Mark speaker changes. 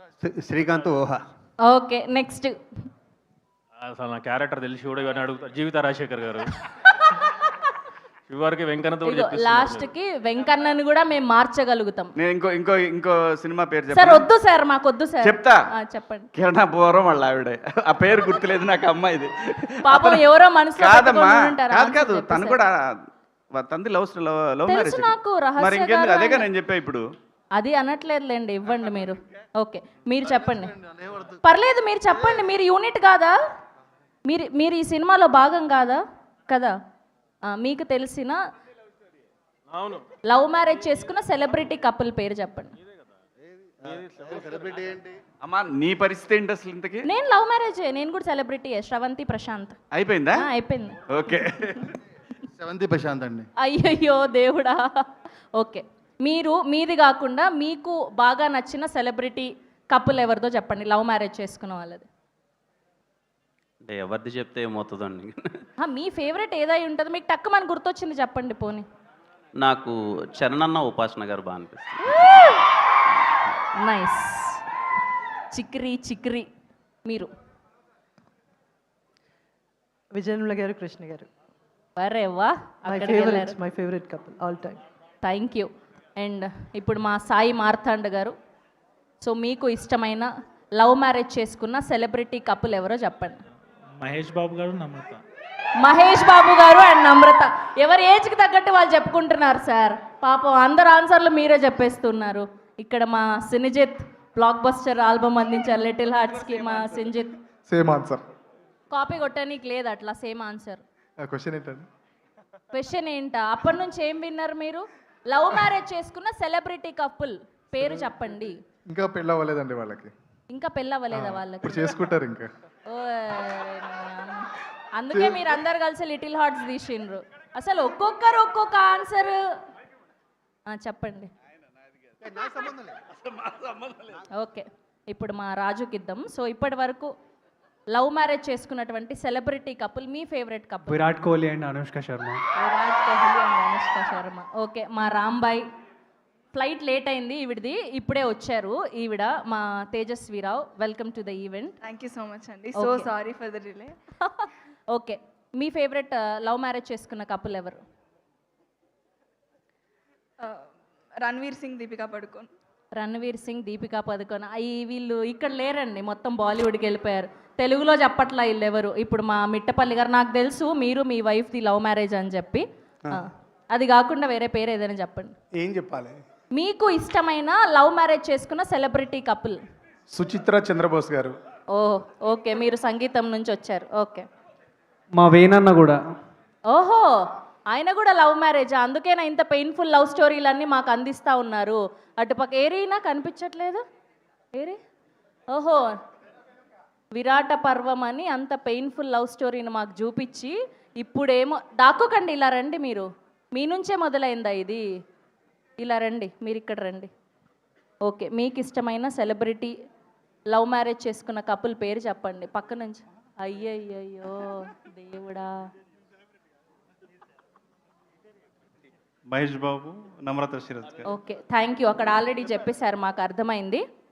Speaker 1: Srikanth Ooha.
Speaker 2: Okay, next.
Speaker 3: అసలు నా character తెలిసి కూడా ఇవన్నీ అడుగుతా. జీవిత రాజశేఖర్ గారు చివరికి వెంకన్నతో
Speaker 2: లాస్ట్ కి వెంకన్నని కూడా మేము మార్చగలుగుతాం.
Speaker 1: నేను ఇంకో ఇంకో ఇంకో సినిమా పేరు
Speaker 2: సార్
Speaker 1: చెప్పాను.
Speaker 2: వద్దు సార్, మాకు వద్దు సార్.
Speaker 1: చెప్తా.
Speaker 2: చెప్పండి.
Speaker 1: కిరణా పూర్వం వాళ్ళ ఆవిడే, ఆ పేరు గుర్తులేదు నాకు అమ్మాయిది.
Speaker 2: పాపం ఎవరో మనసులో
Speaker 1: కాదమ్మా,
Speaker 2: పెట్టుకొని ఉంటారు.
Speaker 1: కాదు కాదు,
Speaker 2: చెప్పు
Speaker 1: తను
Speaker 2: సార్.
Speaker 1: కూడా తంది లవ్ లవ్ మ్యారేజ్.
Speaker 2: తెలుసు నాకు, రహస్య
Speaker 1: మరి ఇంకెందుకు,
Speaker 2: గారు
Speaker 1: అదేగా
Speaker 2: ఆయన.
Speaker 1: నేను చెప్పా ఇప్పుడు.
Speaker 2: అది అనట్లేదులేండి, ఇవ్వండి మీరు. ఓకే, మీరు చెప్పండి. పర్లేదు, మీరు చెప్పండి. మీరు యూనిట్ కాదా? మీరు ఈ సినిమాలో భాగం కాదా? కదా. మీకు తెలిసిన లవ్ మ్యారేజ్ చేసుకున్న సెలబ్రిటీ కపుల్ పేరు చెప్పండి.
Speaker 1: అమ్మా నీ పరిస్థితి ఏంటి అసలు ఇంతకి?
Speaker 2: నేను లవ్ మ్యారేజ్, నేను కూడా సెలబ్రిటీ. శ్రవంతి ప్రశాంత్.
Speaker 1: అయిపోయిందా?
Speaker 2: అయిపోయింది.
Speaker 1: ఓకే.
Speaker 4: శ్రవంతి ప్రశాంత్ అండి.
Speaker 2: అయ్యయ్యో దేవుడా. ఓకే, మీది కాకుండా మీకు బాగా నచ్చిన సెలబ్రిటీ కపుల్ ఎవరిదో చెప్పండి, లవ్ మ్యారేజ్ చేసుకున్న వాళ్ళది.
Speaker 5: అంటే ఎవరిది చెప్తే ఏమవుతుందండి?
Speaker 2: మీ ఫేవరెట్ ఏదై ఉంటుంది, మీకు టక్కు మన గుర్తొచ్చింది చెప్పండి పోనీ.
Speaker 5: నాకు చరణన్న ఉపాసన గారు బాగా అనిపిస్తుంది.
Speaker 2: నైస్. చిక్రీ మీరు.
Speaker 6: విజయనుల గారు, కృష్ణ గారు.
Speaker 2: అరే వా,
Speaker 6: my favourite couple all time.
Speaker 2: Thank you. And ఇప్పుడు మా సాయి మార్తాండ్ గారు. సో మీకు ఇష్టమైన లవ్ మ్యారేజ్ చేసుకున్న సెలబ్రిటీ కపుల్ ఎవరో చెప్పండి.
Speaker 3: మహేష్ బాబు గారు, నమ్రత.
Speaker 2: మహేష్ బాబు గారు అండ్ నమ్రత. ఎవరి ఏజ్కి తగ్గట్టు వాళ్ళు చెప్పుకుంటున్నారు సార్. పాపం అందరు ఆన్సర్లు మీరే చెప్పేస్తున్నారు. ఇక్కడ మా సినిజిత్ బ్లాక్ బస్టర్ ఆల్బమ్ అందించారు లిటిల్ హార్ట్స్కి. మా సినిజిత్
Speaker 4: సేమ్ ఆన్సర్.
Speaker 2: కాపీ కొట్టడానికి లేదు అట్లా, సేమ్ ఆన్సర్.
Speaker 4: క్వశ్చన్ ఏంటండి?
Speaker 2: క్వశ్చన్ ఏంటా? అప్పటి నుంచి ఏం విన్నారు మీరు? లవ్ మ్యారేజ్ చేసుకున్న సెలబ్రిటీ కపుల్ పేరు చెప్పండి.
Speaker 4: ఇంకా పెళ్ళి అవ్వలేదండి వాళ్ళకి.
Speaker 2: ఇంకా పెళ్ళవ్వలేదా వాళ్ళకి?
Speaker 4: ఇప్పుడు చేసుకుంటారు ఇంకా.
Speaker 2: అందుకే మీరు అందరు కలిసి లిటిల్ హార్ట్స్ తీసిండ్రు. అసలు ఒక్కొక్కరు ఒక్కొక్క ఆన్సర్ చెప్పండి. ఓకే, ఇప్పుడు మా రాజుకి ఇద్దాం. సో ఇప్పటి వరకు లవ్ మ్యారేజ్ చేసుకున్నటువంటి సెలబ్రిటీ కపుల్, మీ favourite couple?
Speaker 7: Virat Kohli and Anushka Sharma.
Speaker 2: Virat Kohli and Anushka Sharma. Okay, మా రాంబాయ్. ఫ్లైట్ లేట్ అయింది ఈవిడది, ఇప్పుడే వచ్చారు ఈవిడ, మా Tejaswi Rao. Welcome to the event.
Speaker 8: Thank you so much అండి. So sorry for the delay.
Speaker 2: Okay, మీ ఫేవరెట్ లవ్ మ్యారేజ్ చేసుకున్న కపుల్ ఎవరు?
Speaker 8: రణ్వీర్ సింగ్, దీపికా పడుకోన్.
Speaker 2: రణ్వీర్ సింగ్, దీపికా పదుకొన్. వీళ్ళు ఇక్కడ లేరండి, మొత్తం బాలీవుడ్కి వెళ్ళిపోయారు. తెలుగులో చెప్పట్లా వీళ్ళు ఎవరు. ఇప్పుడు మా మిట్టపల్లి గారు, నాకు తెలుసు మీరు మీ వైఫ్ది లవ్ మ్యారేజ్ అని చెప్పి, అది కాకుండా వేరే పేరు ఏదైనా చెప్పండి.
Speaker 1: ఏం చెప్పాలి?
Speaker 2: మీకు ఇష్టమైన లవ్ మ్యారేజ్ చేసుకున్న సెలబ్రిటీ కపుల్?
Speaker 4: సుచిత్ర చంద్రబోస్ గారు.
Speaker 2: ఓ ఓకే, మీరు సంగీతం నుంచి వచ్చారు. ఓకే,
Speaker 7: మా వేణన్న కూడా.
Speaker 2: ఓహో, ఆయన కూడా లవ్ మ్యారేజ్. అందుకేనా ఇంత పెయిన్ఫుల్ లవ్ స్టోరీలన్నీ మాకు అందిస్తూ ఉన్నారు. అటుపక్క ఏరీనా కనిపించట్లేదు. ఏరి, ఓహో, విరాట పర్వం అని అంత పెయిన్ఫుల్ లవ్ స్టోరీని మాకు చూపించి, ఇప్పుడేమో దాక్కోకండి, ఇలా రండి. మీరు మీ నుంచే మొదలైందా ఇది? ఇలా రండి, మీరు ఇక్కడ రండి. ఓకే, మీకు ఇష్టమైన సెలబ్రిటీ లవ్ మ్యారేజ్ చేసుకున్న కపుల్ పేరు చెప్పండి పక్క నుంచి. అయ్యయ్యో దేవుడా.
Speaker 1: Mahesh Babu, Namrata Shirodkar.
Speaker 2: Okay, thank you. అక్కడ ఆల్రెడీ చెప్పేశారు, మాకు అర్థమైంది.